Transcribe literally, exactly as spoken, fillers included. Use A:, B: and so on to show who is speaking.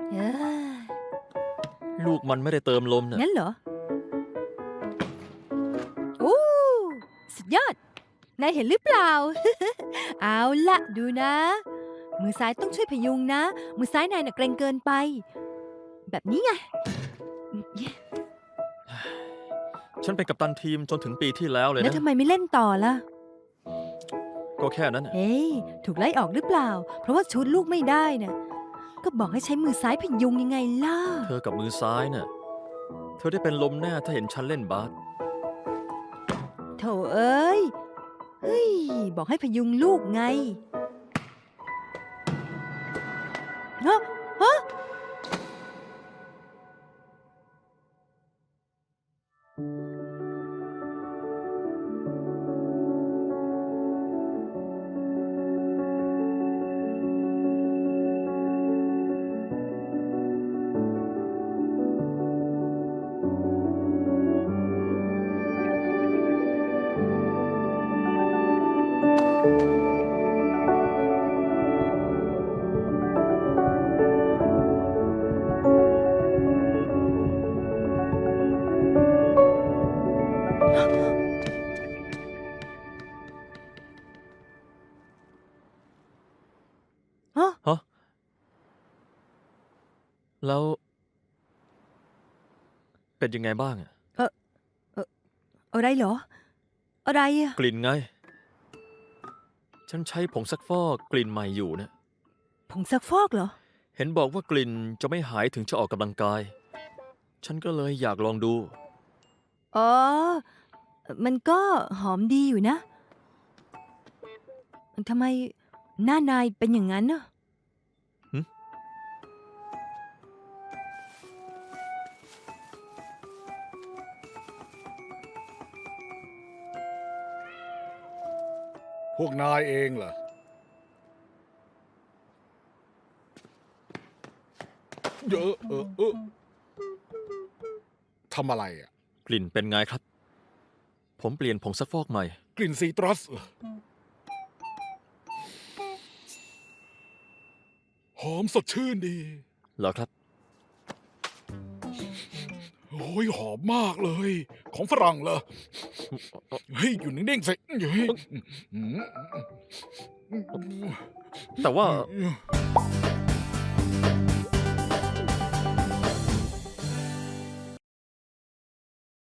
A: เออ
B: ลูกมันไม่ได้เติมลมเนี่ย
A: งั้นเหรอ โอ้สุดยอด นายเห็นหรือเปล่า เอาละดูนะ มือซ้ายต้องช่วยพยุงนะ มือซ้ายนายน่ะเกรงเกินไป แบบนี้ไง
B: ฉันเป็นกัปตันทีมจนถึงปีที่แล้วเลย
A: แล้ว
B: นะ
A: ทำไมไม่เล่นต่อล่ะ
B: ก็แค่นั้นน่ะ
A: เฮ้ย ถูกไล่ออกหรือเปล่า เพราะว่าชูดลูกไม่ได้น่ะ ก็บอกให้ใช้มือซ้ายพยุงยังไงล่ะ
B: เธอกับมือซ้ายน่ะ เธอได้เป็นลมแน่ถ้าเห็นฉันเล่นบาส
A: โถเอ้ย เฮ้ย บอกให้พยุงลูกไงฮะฮะฮะ
B: ฮะ แล้ว เป็นยังไงบ้างอะ
A: อะไรเหรอ อะไรอะ
B: กลิ่นไง ฉันใช้ผงซักฟอกกลิ่นใหม่อยู่นะ
A: ผงซักฟอกเหรอ
B: เห็นบอกว่ากลิ่นจะไม่หายถึงจะออกกำลังกาย ฉันก็เลยอยากลองดู
A: อ๋อ มันก็หอมดีอยู่นะ ทำไมหน้านายเป็นอย่างนั้นน่ะ
C: พวกนายเองเหรอเยอะเออเออทำอะไรอ่ะ
B: กลิ่นเป็นไงครับ ผมเปลี่ยนผงซักฟอกใหม่
C: กลิ่นซีตรัสเหรอหอมสดชื่นดี
B: เหรอครับ
C: โอ้ยหอมมากเลย ของฝรั่งเหรอ เฮ้ย อยู่นิ่งๆสิเฮ้ย
B: แต่ว่า
C: อืม